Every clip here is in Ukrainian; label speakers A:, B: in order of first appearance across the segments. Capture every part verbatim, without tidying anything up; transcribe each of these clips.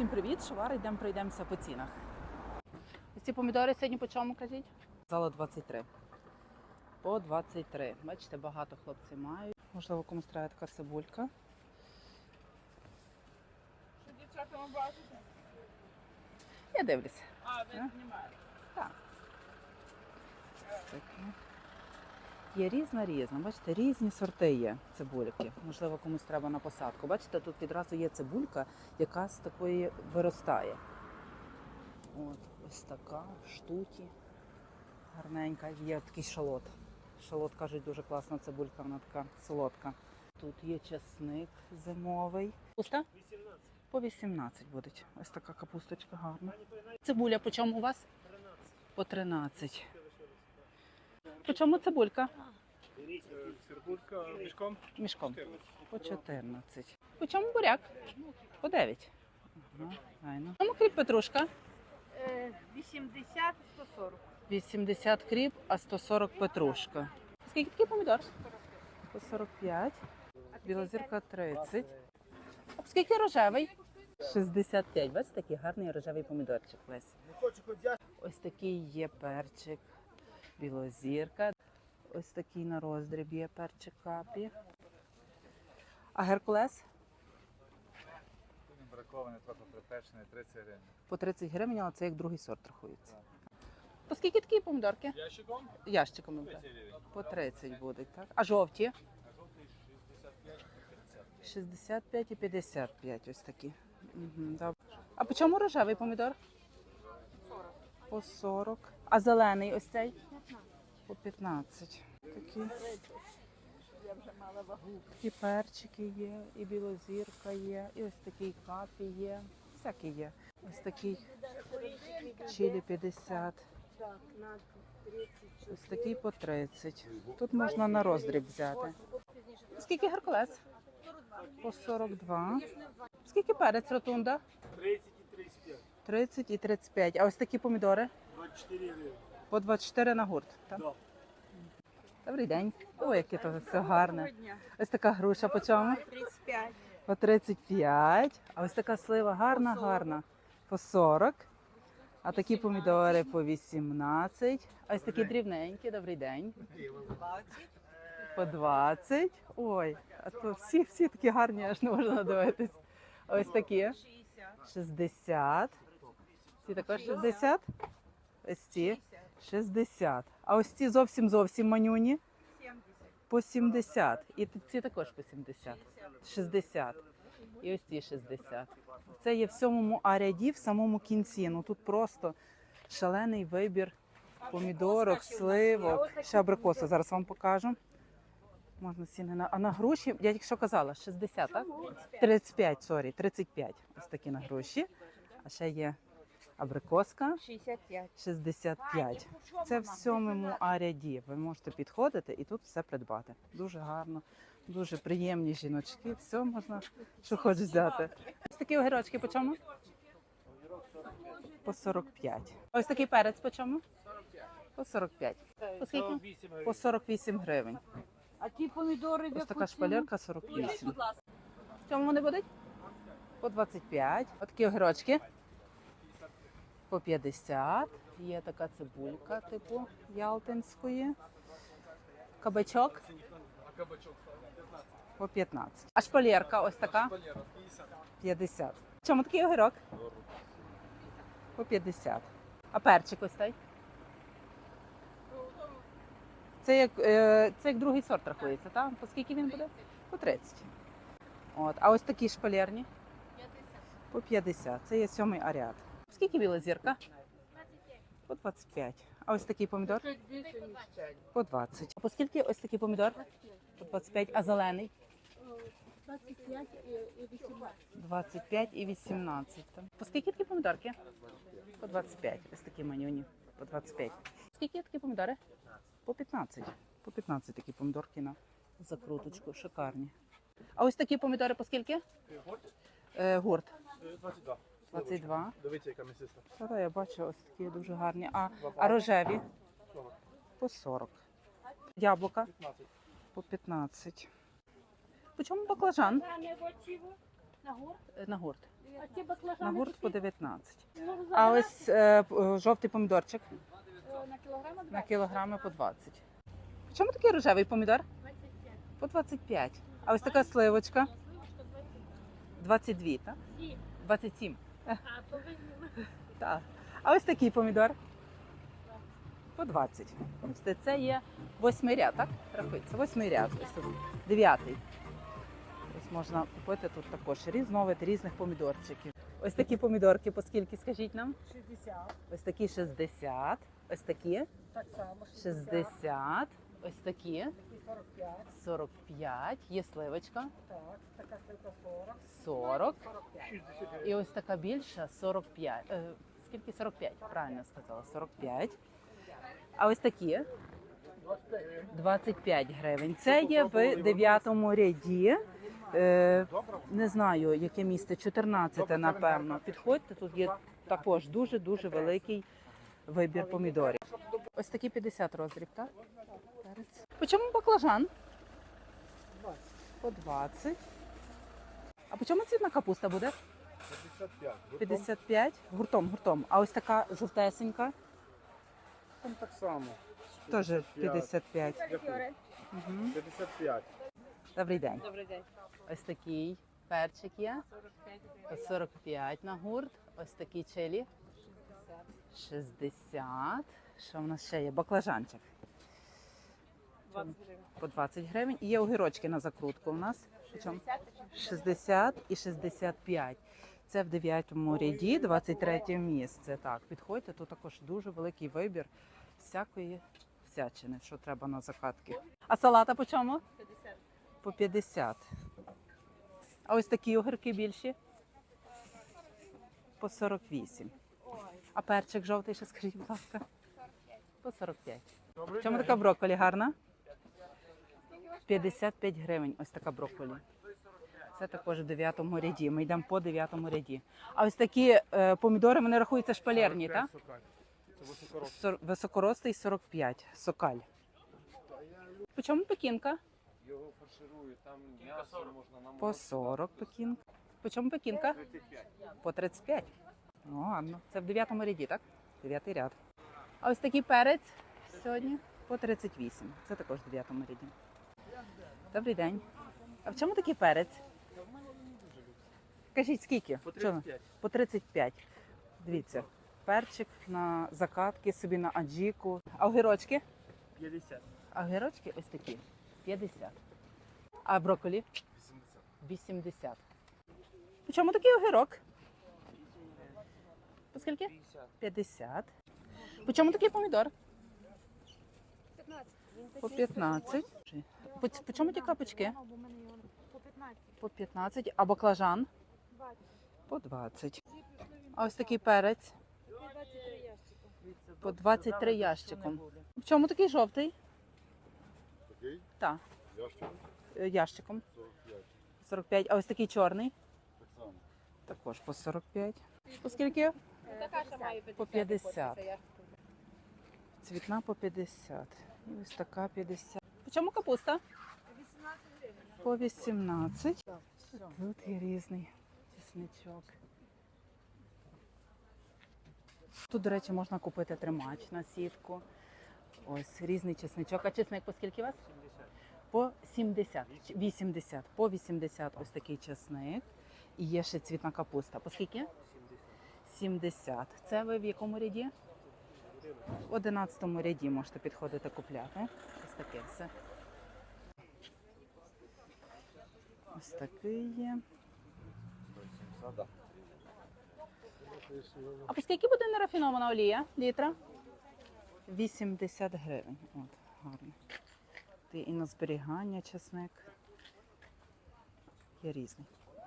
A: Всім привіт, Шовар, йдемо пройдемося по цінах. Ось ці помідори сьогодні по чому, кажіть? Зала двадцять три. По двадцять три. Бачите, багато хлопців мають. Можливо, комусь треба така цибулька.
B: Що дівчатами бачите?
A: Я дивлюся.
B: А, ви знімаєте?
A: Так. Є різна-різна. Бачите, різні сорти є цибульки. Можливо, комусь треба на посадку. Бачите, тут відразу є цибулька, яка з такої виростає. От, ось така, в штуті. Гарненька. Є такий шалот. Шалот, кажуть, дуже класна цибулька, вона така солодка. Тут є часник зимовий. Пуста?
C: вісімнадцять.
A: По вісімнадцять будуть. Ось така капусточка гарна. Цибуля по чому у вас?
C: тринадцять.
A: По тринадцять. По чому цибулька?
C: Цибулька мішком?
A: Мішком. По чотирнадцять. По чому буряк? По дев'ять. Ага, гайно. По чому кріп петрушка?
B: вісімдесят сто сорок.
A: вісімдесят кріп, а сто сорок петрушка. Скільки такий помідор? По сорок п'ять. Білозірка тридцять. А скільки рожевий? шістдесят п'ять. Бачите, такий гарний рожевий помідорчик весь. Ось такий є перчик. Білозірка. Ось такий на роздріб є перчик капі. А геркулес?
D: Бракований, трохи припечений, тридцять гривень.
A: По тридцять гривень, але це як другий сорт рахується. По скільки такі помідорки?
C: Ящиком?
A: Ящиками.
C: тридцять гривень.
A: По тридцять будуть, так? А жовті?
C: А жовтий шістдесят п'ять тридцять.
A: шістдесят п'ять і п'ятдесят п'ять ось такі. Угу, добре. А по чому рожевий помідор?
B: сорок.
A: По сорок. А зелений ось цей? По п'ятнадцять. Такі,
B: Я вже мала вагу.
A: такі перчики є, і білозірка є, і ось такий капі є. Всякі є. Ось такий чилі п'ятдесят.
B: Так, на тридцять.
A: Ось такий по тридцять. Тут можна на роздріб взяти. Скільки геркулес? По сорок два. Скільки перець ротунда?
C: тридцять і тридцять п'ять.
A: тридцять і тридцять п'ять. А ось такі помідори?
C: двадцять чотири гривень.
A: По двадцять чотири на гурт. Так?
C: Да.
A: Добрий день. Ой, яке то все гарне.
B: Дня.
A: Ось така груша по чому?
B: тридцять п'ять.
A: По тридцять п'ять. А ось така слива гарна, гарна. По сорок. А такі помідори по вісімнадцять. А ось такі дрібненькі. Добрий день. По двадцять. Ой, а то всі, всі такі гарні, аж не можна надивитись. А ось такі. шістдесят. Ці також шістдесят. Ось ці шістдесят. А ось ці зовсім-зовсім манюні
B: сімдесят.
A: по сімдесят. І ці також по сімдесят. шістдесят. І ось ці шістдесят. Це є в сьомому А-ряді, в самому кінці. Ну тут просто шалений вибір помідорок, сливок. Ще абрикоси зараз вам покажу. Можна ціни на... А на груші, я тільки що казала, шістдесят, так? тридцять п'ять, сорі, тридцять п'ять. Ось такі на груші. А ще є абрикоска.
B: шістдесят п'ять.
A: шістдесят п'ять. Це в сьомому А-ряді. Ви можете підходити і тут все придбати. Дуже гарно, дуже приємні жіночки. Все можна, що хочеш взяти. Ось такі огірочки по чому? По сорок п'ять. Ось такий перець по чому? По сорок п'ять. По скільки? По сорок вісім гривень.
B: А ті помідори в
A: Ось
B: яку
A: така
B: ціну?
A: шпалерка сорок вісім. В чому вони будуть? По двадцять п'ять. Ось такі огірочки. По п'ятдесят. Є така цибулька, типу ялтинської. Кабачок
C: А кабачок п'ятнадцять.
A: по п'ятнадцять. А шпалерка ось така
C: Валера п'ятдесят.
A: п'ятдесят. В чому такий огірок? По п'ятдесят. А перчик ось цей? Це як, е, це як другий сорт рахується, так? По скільки він буде? По тридцять. От. А ось такі шпалерні? По п'ятдесят. Це є сьомий А-ряд. Скільки біла зірка? По двадцять п'ять. А ось такий помідор?
B: Чуть більше, ніж цей.
A: По двадцять. А по скільки ось такий помідор? По двадцять п'ять. А зелений?
B: двадцять п'ять і вісімнадцять.
A: двадцять п'ять і вісімнадцять. Там. По скільки такі помідорки? По двадцять п'ять. Ось такі манюні. По двадцять п'ять. Скільки такі помідори? По п'ятнадцять. По п'ятнадцять такі помідорки на закруточку. Шикарні. А ось такі помідори по скільки? Е, гурт.
C: двадцять два.
A: двадцять два.
C: Дивіться, яка місиста.
A: Та-да, я бачу, ось такі дуже гарні. А, а рожеві? По сорок. Яблука?
C: п'ятнадцять.
A: По п'ятнадцять. По чому баклажан?
B: На гурт?
A: Е, На гурт.
B: А ці
A: На
B: баклажани
A: гурт по
B: такі?
A: дев'ятнадцять.
B: Ну,
A: А
B: забирай.
A: ось е, п- е, жовтий помідорчик
B: Е, на кілограм
A: на
B: двадцять.
A: кілограми по двадцять. В чому такий рожевий помідор?
B: двадцять п'ять.
A: По двадцять п'ять. А ось така сливочка
B: Сливочка двадцять.
A: двадцять два, так?
B: Сім.
A: двадцять сім.
B: А, то візьмемо.
A: Так. А ось такий помідор по двадцять. Бачите, це є восьмий ряд, так? Рахується, восьмий ряд. Ось тут дев'ятий. Ось можна купити тут також різновид різних помідорчиків. Ось такі помідорки, по скільки, скажіть нам?
B: шістдесят.
A: Ось такі шістдесят, ось такі
B: Так само.
A: шістдесят, ось такі
B: сорок п'ять.
A: сорок п'ять, є сливочка
B: Так, така сливка сорок.
A: сорок.
B: сорок п'ять.
A: І ось така більша сорок п'ять. Е, скільки сорок п'ять? Правильно сказала, сорок п'ять. А ось такі двадцять п'ять гривень. Це є в дев'ятому ряді. Е, не знаю, яке місце, чотирнадцяте, напевно. Підходьте, тут є також дуже-дуже великий вибір помідорів. Ось такі п'ятдесят розріб, так? Перець. По чому баклажан? По двадцять. А по чому цвітна капуста буде?
C: п'ятдесят п'ять.
A: п'ятдесят п'ять. Гуртом, гуртом. А ось така жовтесенька?
C: Там так само.
A: Теж п'ятдесят п'ять.
C: Дякую.
A: Угу.
C: п'ятдесят п'ять.
A: Добрий день.
B: Добрий день.
A: Ось такий перчик є. По сорок п'ять на гурт. Ось такі чилі. шістдесят. Що в нас ще є? Баклажанчик. По двадцять гривень. І є огірочки на закрутку у нас. Причому шістдесят і шістдесят п'ять. Це в дев'ятому ряді, двадцять третє місце. Так, підходьте, тут також дуже великий вибір всякої всячини, що треба на закатки. А салата по чому?
B: п'ятдесят.
A: По п'ятдесят. А ось такі огірки більші? По сорок вісім. А перчик жовтий, ще скажіть, будь ласка? По сорок п'ять. В чому така брокколі гарна? п'ятдесят п'ять гривень. Ось така брокколі. Це також в дев'ятому ряді. Ми йдемо по дев'ятому ряді. А ось такі е, помідори, вони рахуються шпалерні, так?
C: Це високорос.
A: Сор- Високорослий сорок п'ять. Сокаль. По чому пекінка?
D: Його фарширують, там м'ясо можна намовити.
A: По сорок пекінка. По чому пекінка? По тридцять п'ять. О, гарно. Це в дев'ятому ряді, так? Дев'ятий ряд. А ось такий перець сьогодні по тридцять вісім. Це також в дев'ятому ряді. Добрий день. А в чому такий перець? Кажіть, скільки?
C: По
A: Чому?
C: тридцять п'ять.
A: По тридцять п'ять. Дивіться, перчик на закатки, собі на аджіку. А огірочки?
C: п'ятдесят.
A: А огірочки ось такі. п'ятдесят. А брокколі?
C: вісімдесят.
A: вісімдесят. По чому такий огірок? По скільки? п'ятдесят. По чому такий помідор?
B: п'ятнадцять.
A: По п'ятнадцять. По, ц- по чому ті капочки?
B: По п'ятнадцять.
A: По п'ятнадцять. А баклажан?
B: двадцять.
A: По двадцять. А ось такий перець?
B: двадцять три ящика.
A: По двадцять три ящиком. В чому такий жовтий?
C: Такий?
A: Так,
C: Ящик?
A: е, ящиком.
C: сорок п'ять.
A: сорок п'ять. А ось такий чорний?
C: Так само.
A: Також по сорок п'ять. По скільки?
B: Така ж має
A: По п'ятдесят. Цвітна по п'ятдесят. І ось така п'ятдесят. По чому капуста?
B: вісімнадцять гривень.
A: По вісімнадцять. Тут є різний чесничок. Тут, до речі, можна купити тримач на сітку. Ось різний чесничок. А чесник по скільки у вас? По сімдесят. Ч- вісімдесят. По вісімдесят ось такий чесник. І є ще цвітна капуста. По скільки? сімдесят. Це ви в якому ряді? В одинадцятому ряді можете підходити купляти. Ось таке все. Ось такий є. А по скільки буде нерафінована олія літра? вісімдесят гривень. От, гарно. Ти і на зберігання чесник. Є різний.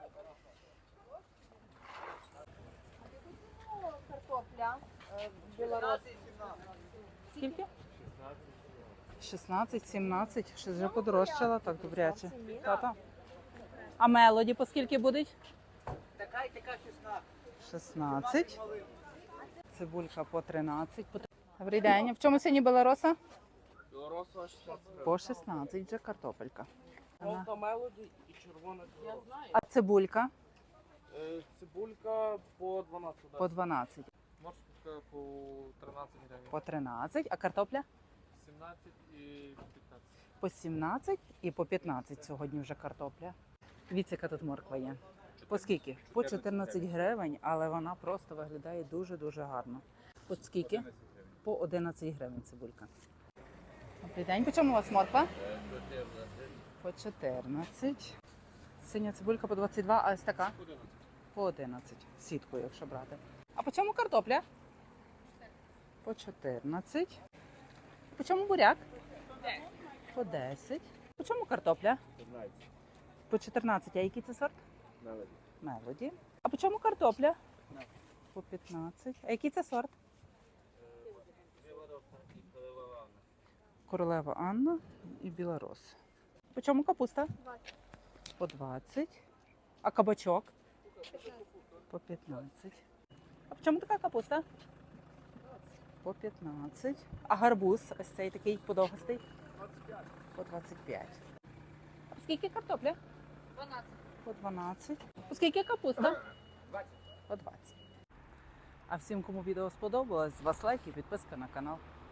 B: Картопля. Білорус.
A: Скільки? шістнадцять, сімнадцять. Щось вже подорожчала, так добряче. Тата. А мелоді по скільки будуть?
B: Така і така шістнадцять.
A: шістнадцять. Цибулька по тринадцять. По... Добрий день. В чому сьогодні белороса?
C: Білоросова шістнадцять.
A: По шістнадцять вже картопелька. Ага.
C: Жовта мелоді і червона білороса.
A: А цибулька?
E: Е, Цибулька по дванадцять.
A: По дванадцять,
E: Морська по тринадцять гривень.
A: по тринадцять, а картопля?
E: сімнадцять і п'ятнадцять.
A: По сімнадцять і по п'ятнадцять сьогодні вже картопля. Дивіться, яка тут морква є. По скільки? По чотирнадцять гривень, але вона просто виглядає дуже-дуже гарно. По скільки? По одинадцять гривень цибулька. Добрий день, по чому у вас морква? По чотирнадцять. Синя цибулька по двадцять два, а ось така? По одинадцять. Сіткою, якщо брати. А по чому картопля? По чотирнадцять. По чому буряк? По десять. По чому картопля? По чотирнадцять. А який це сорт? Мелоді. А по чому картопля? По п'ятнадцять. А який це сорт? Королева Анна і Білорос. По чому капуста? По двадцять. А кабачок? По п'ятнадцять. А по чому така капуста? По п'ятнадцять. А гарбуз, ось цей такий подовгостий? По двадцять п'ять. А скільки картопля?
B: дванадцять.
A: По дванадцять. По скільки капуста? По двадцять. А всім, кому відео сподобалось, з вас лайк і підписка на канал.